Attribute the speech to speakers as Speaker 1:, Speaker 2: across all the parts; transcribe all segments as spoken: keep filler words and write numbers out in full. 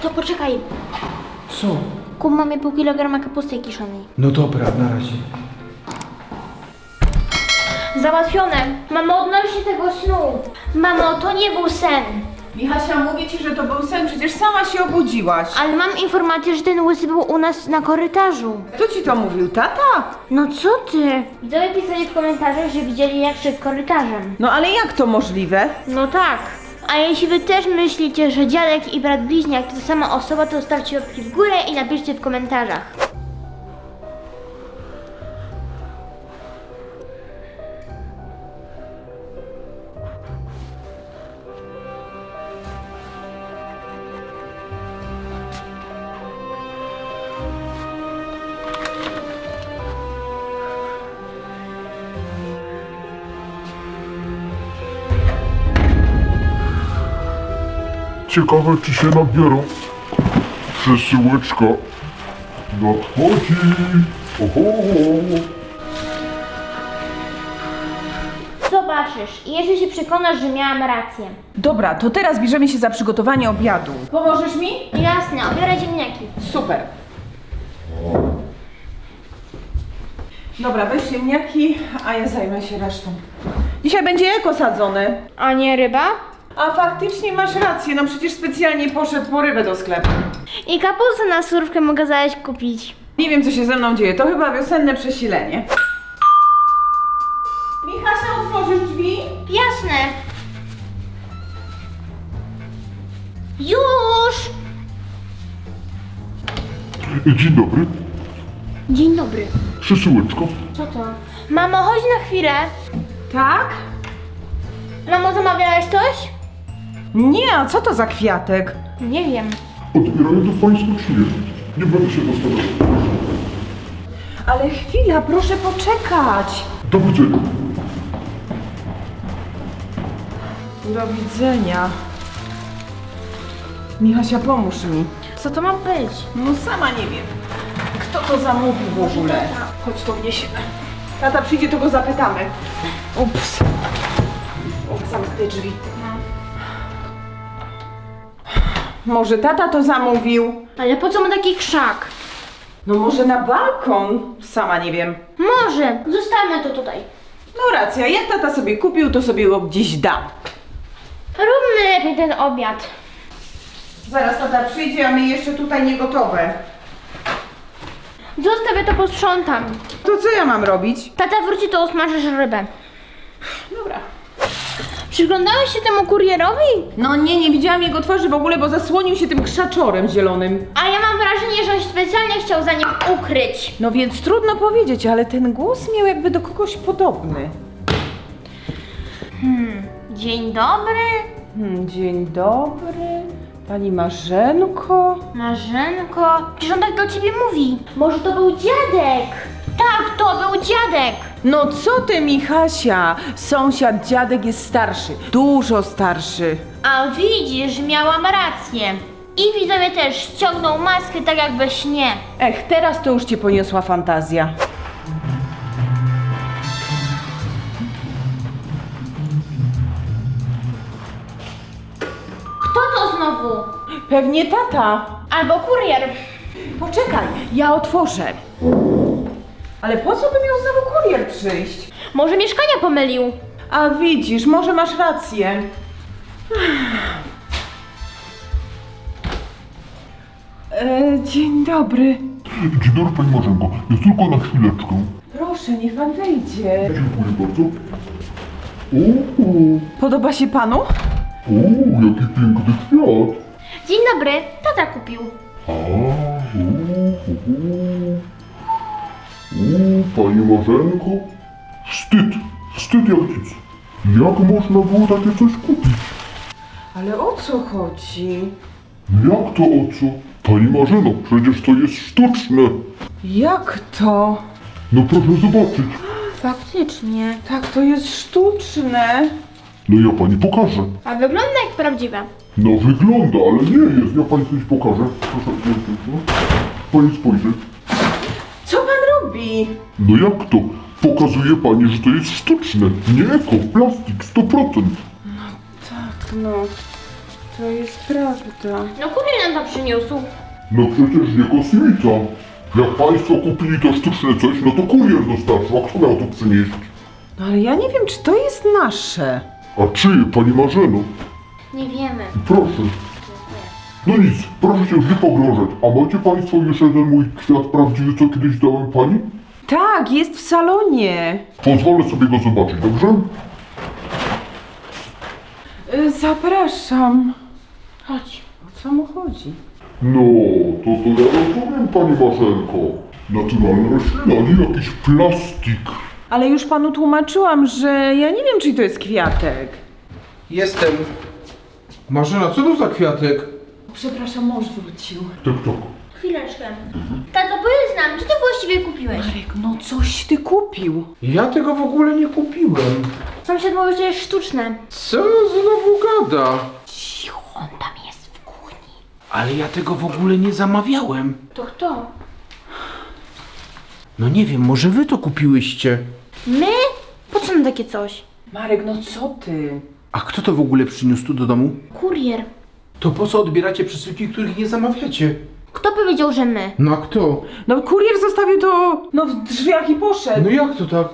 Speaker 1: Tato, poczekaj.
Speaker 2: Co?
Speaker 1: Kup mamie pół kilograma kapusty kiszonej.
Speaker 2: No dobra, na razie.
Speaker 1: Załatwione. Mamo, odnośnie tego snu. Mamo, to nie był sen.
Speaker 3: Michasia, mówię ci, że to był sen, przecież sama się obudziłaś.
Speaker 1: Ale mam informację, że ten łysy był u nas na korytarzu.
Speaker 3: Kto ci to mówił, tata?
Speaker 1: No co ty? Widzowie pisali w komentarzach, że widzieli jak szedł korytarzem.
Speaker 3: No ale jak to możliwe?
Speaker 1: No tak. A jeśli wy też myślicie, że dziadek i brat bliźniak to ta sama osoba, to zostawcie łapki w górę i napiszcie w komentarzach.
Speaker 4: Ciekawe, czy się nabiorą. Przesyłeczka nadchodzi. Oho.
Speaker 1: Zobaczysz i jeszcze się przekonasz, że miałam rację.
Speaker 3: Dobra, to teraz bierzemy się za przygotowanie obiadu. Pomożesz mi?
Speaker 1: Jasne, obiorę ziemniaki.
Speaker 3: Super. Dobra, weź ziemniaki, a ja zajmę się resztą. Dzisiaj będzie eko sadzone.
Speaker 1: A nie ryba?
Speaker 3: A faktycznie masz rację, no przecież specjalnie poszedł po rybę do sklepu.
Speaker 1: I kapustę na surówkę mogę zaś kupić.
Speaker 3: Nie wiem, co się ze mną dzieje, to chyba wiosenne przesilenie. Michasia, otworzysz drzwi?
Speaker 1: Jasne. Już!
Speaker 4: Dzień dobry.
Speaker 1: Dzień dobry.
Speaker 4: Przesyłeczka.
Speaker 1: Co to? Mamo, chodź na chwilę.
Speaker 3: Tak?
Speaker 1: Mamo, zamawiałaś coś?
Speaker 3: Nie, a co to za kwiatek?
Speaker 1: Nie wiem.
Speaker 4: Odbierają to Państwo czy nie? Nie będę się zastanawiał.
Speaker 3: Ale chwila, proszę poczekać.
Speaker 4: Do widzenia.
Speaker 3: Do widzenia. Michasia, pomóż mi.
Speaker 1: Co to ma być?
Speaker 3: No sama nie wiem. Kto to zamówił w ogóle? Chodź to wniesiemy. Tata przyjdzie, to go zapytamy. Ups. O, zamknę drzwi. Może tata to zamówił?
Speaker 1: Ale po co mu taki krzak?
Speaker 3: No może na balkon? Sama nie wiem.
Speaker 1: Może. Zostawmy to tutaj.
Speaker 3: No racja, jak tata sobie kupił, to sobie go gdzieś da.
Speaker 1: Róbmy lepiej ten obiad.
Speaker 3: Zaraz tata przyjdzie, a my jeszcze tutaj nie gotowe.
Speaker 1: Zostawię to, posprzątam.
Speaker 3: To co ja mam robić?
Speaker 1: Tata wróci, to usmażysz rybę.
Speaker 3: Dobra.
Speaker 1: Przyglądałeś się temu kurierowi?
Speaker 3: No nie, nie widziałam jego twarzy w ogóle, bo zasłonił się tym krzaczorem zielonym.
Speaker 1: A ja mam wrażenie, że on się specjalnie chciał za nim ukryć.
Speaker 3: No więc trudno powiedzieć, ale ten głos miał jakby do kogoś podobny.
Speaker 1: Hmm, dzień dobry.
Speaker 3: Hmm, dzień dobry. Pani Marzenko.
Speaker 1: Marzenko, przecież on tak do ciebie mówi. Może to był dziadek? Tak, to był dziadek.
Speaker 3: No co ty, Michasia? Sąsiad dziadek jest starszy. Dużo starszy.
Speaker 1: A widzisz, miałam rację. I widzowie też ściągnął maskę tak jak we śnie.
Speaker 3: Ech, teraz to już cię poniosła fantazja.
Speaker 1: Kto to znowu?
Speaker 3: Pewnie tata.
Speaker 1: Albo kurier.
Speaker 3: Poczekaj, ja otworzę. Ale po co by miał znowu kurier przyjść?
Speaker 1: Może mieszkania pomylił.
Speaker 3: A widzisz, może masz rację. E, dzień dobry.
Speaker 4: Dzień dobry Pani Marzenko. Jest tylko na chwileczkę.
Speaker 3: Proszę, niech pan wejdzie.
Speaker 4: Dziękuję bardzo. O,
Speaker 3: Podoba się panu?
Speaker 4: o, jaki piękny kwiat.
Speaker 1: Dzień dobry, tata kupił.
Speaker 4: A, o, o, o. O, Pani Marzenko. Wstyd, wstyd jak nic. Jak można było takie coś kupić?
Speaker 3: Ale o co chodzi?
Speaker 4: Jak to o co? Pani Marzeno, przecież to jest sztuczne.
Speaker 3: Jak to?
Speaker 4: No proszę zobaczyć.
Speaker 1: Faktycznie.
Speaker 3: Tak, to jest sztuczne.
Speaker 4: No ja pani pokażę.
Speaker 1: A wygląda jak prawdziwe.
Speaker 4: No wygląda, ale nie jest. Ja pani coś pokażę. Proszę, proszę, pani spojrzeć.
Speaker 3: Co pan robi?
Speaker 4: No jak to? Pokazuje pani, że to jest sztuczne. Nie eko, plastik, sto procent.
Speaker 3: Tak, no. To jest prawda.
Speaker 1: No kurier nam to przyniósł.
Speaker 4: No przecież nie kosmita. Jak państwo kupili to sztuczne coś, no to kurier dostarczył, a kto miał to przynieść?
Speaker 3: No ale ja nie wiem, czy to jest nasze.
Speaker 4: A czyje, pani Marzeno?
Speaker 1: Nie wiemy.
Speaker 4: Proszę. No nic, proszę się już nie pogrążać. A macie państwo jeszcze ten mój kwiat prawdziwy, co kiedyś dałem pani?
Speaker 3: Tak, jest w salonie.
Speaker 4: Pozwolę sobie go zobaczyć, dobrze?
Speaker 3: Y, Zapraszam.
Speaker 1: Chodź.
Speaker 3: O co mu chodzi?
Speaker 4: No, to to ja rozumiem, pani Marzenko. Naturalna roślina, nie jakiś plastik.
Speaker 3: Ale już panu tłumaczyłam, że ja nie wiem, czy to jest kwiatek.
Speaker 2: Jestem. Marzena, co to za kwiatek?
Speaker 3: Przepraszam, mąż wrócił.
Speaker 4: Tak, tak.
Speaker 1: Chwileczkę. Tato, powiedz nam, co ty właściwie kupiłeś?
Speaker 3: Marek, no coś ty kupił.
Speaker 2: Ja tego w ogóle nie kupiłem.
Speaker 1: Sąsiad mówi, że jest sztuczne.
Speaker 2: Co znowu gada?
Speaker 1: Cicho, on tam jest w kuchni.
Speaker 2: Ale ja tego w ogóle nie zamawiałem.
Speaker 1: To kto?
Speaker 2: No nie wiem, może wy to kupiłyście.
Speaker 1: My? Po co nam takie coś?
Speaker 3: Marek, no co ty?
Speaker 2: A kto to w ogóle przyniósł tu do domu?
Speaker 1: Kurier.
Speaker 2: To po co odbieracie przesyłki, których nie zamawiacie?
Speaker 1: Kto powiedział, że my?
Speaker 2: No a kto?
Speaker 3: No kurier zostawił to no, w drzwiach i poszedł.
Speaker 2: No jak to tak?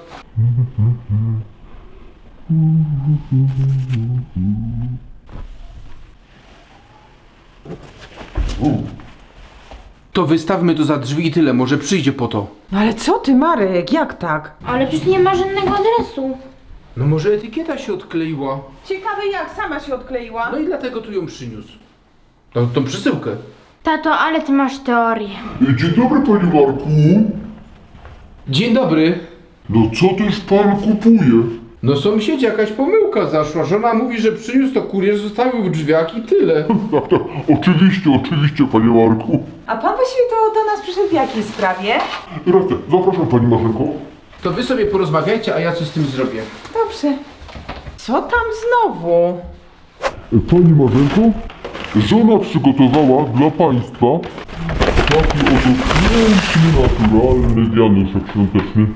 Speaker 2: To wystawmy to za drzwi i tyle, może przyjdzie po to.
Speaker 3: No ale co ty, Marek, jak tak?
Speaker 1: Ale przecież nie ma żadnego adresu.
Speaker 2: No może etykieta się odkleiła.
Speaker 3: Ciekawe jak, sama się odkleiła.
Speaker 2: No i dlatego tu ją przyniósł. Tą, tą przesyłkę.
Speaker 1: Tato, ale ty masz teorię.
Speaker 4: Dzień dobry, panie Marku.
Speaker 2: Dzień dobry.
Speaker 4: No co też pan kupuje?
Speaker 2: No sąsiedzie, jakaś pomyłka zaszła. Żona mówi, że przyniósł to kurier, zostawił w drzwiach i tyle.
Speaker 4: Tak, tak, oczywiście, oczywiście, panie Marku.
Speaker 3: A pan właściwie to do nas przyszedł w jakiej sprawie?
Speaker 4: Racja, zapraszam, pani Marzenko.
Speaker 2: To wy sobie porozmawiajcie, a ja coś z tym zrobię.
Speaker 3: Dobrze. Co tam znowu?
Speaker 4: Pani Marzenko, żona przygotowała dla państwa taki oto piękny, naturalny wianuszek świąteczny.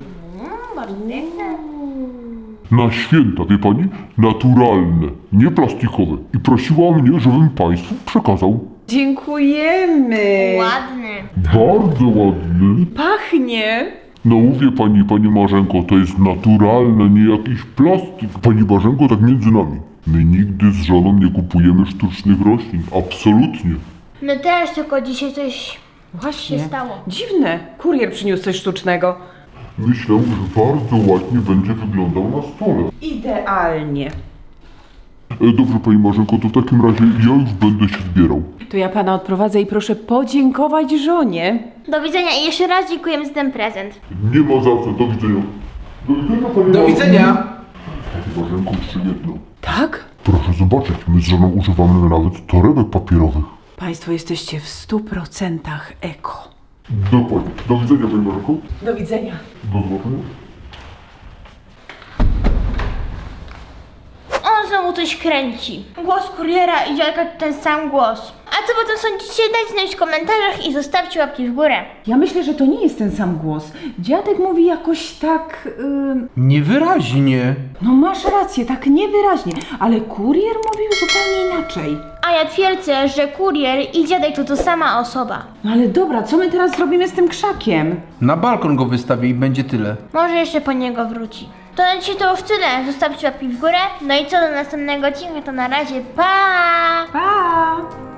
Speaker 4: Na święta, wie pani? Naturalne, nie plastikowe. I prosiła mnie, żebym państwu przekazał.
Speaker 3: Dziękujemy.
Speaker 1: Ładny.
Speaker 4: Bardzo ładny.
Speaker 3: Pachnie.
Speaker 4: No mówię pani, pani Marzenko, to jest naturalne, nie jakiś plastik. Pani Marzenko, tak między nami. My nigdy z żoną nie kupujemy sztucznych roślin. Absolutnie.
Speaker 1: My też, tylko dzisiaj coś
Speaker 3: Właśnie.
Speaker 1: się stało.
Speaker 3: Dziwne. Kurier przyniósł coś sztucznego.
Speaker 4: Myślę, że bardzo ładnie będzie wyglądał na stole.
Speaker 3: Idealnie.
Speaker 4: E, dobrze, pani Marzenko, to w takim razie ja już będę się zbierał.
Speaker 3: To ja pana odprowadzę i proszę podziękować żonie.
Speaker 1: Do widzenia i jeszcze raz dziękujemy za ten prezent.
Speaker 4: Nie ma za co, do widzenia. Do widzenia, pani
Speaker 2: Do
Speaker 4: Marzenko.
Speaker 2: widzenia.
Speaker 4: Pani Marzenko, jeszcze jedno.
Speaker 3: Tak?
Speaker 4: Proszę zobaczyć, my z żoną używamy nawet torebek papierowych.
Speaker 3: Państwo jesteście w stu procentach eko.
Speaker 4: Dokładnie. Do widzenia, pani Marzenko.
Speaker 3: Do widzenia.
Speaker 4: Do zobaczenia.
Speaker 1: On znowu coś kręci. Głos kuriera i dziadka to ten sam głos. A co potem sądzicie? Dajcie znać w komentarzach i zostawcie łapki w górę.
Speaker 3: Ja myślę, że to nie jest ten sam głos. Dziadek mówi jakoś tak... Yy...
Speaker 2: Niewyraźnie.
Speaker 3: No masz rację, tak niewyraźnie, ale kurier mówił zupełnie inaczej.
Speaker 1: A ja twierdzę, że kurier i dziadek to to sama osoba.
Speaker 3: No ale dobra, co my teraz zrobimy z tym krzakiem?
Speaker 2: Na balkon go wystawię i będzie tyle.
Speaker 1: Może jeszcze po niego wróci. To na dzisiaj to już tyle. Zostawcie łapki w górę. No i co do następnego odcinka, to na razie pa!
Speaker 3: Pa!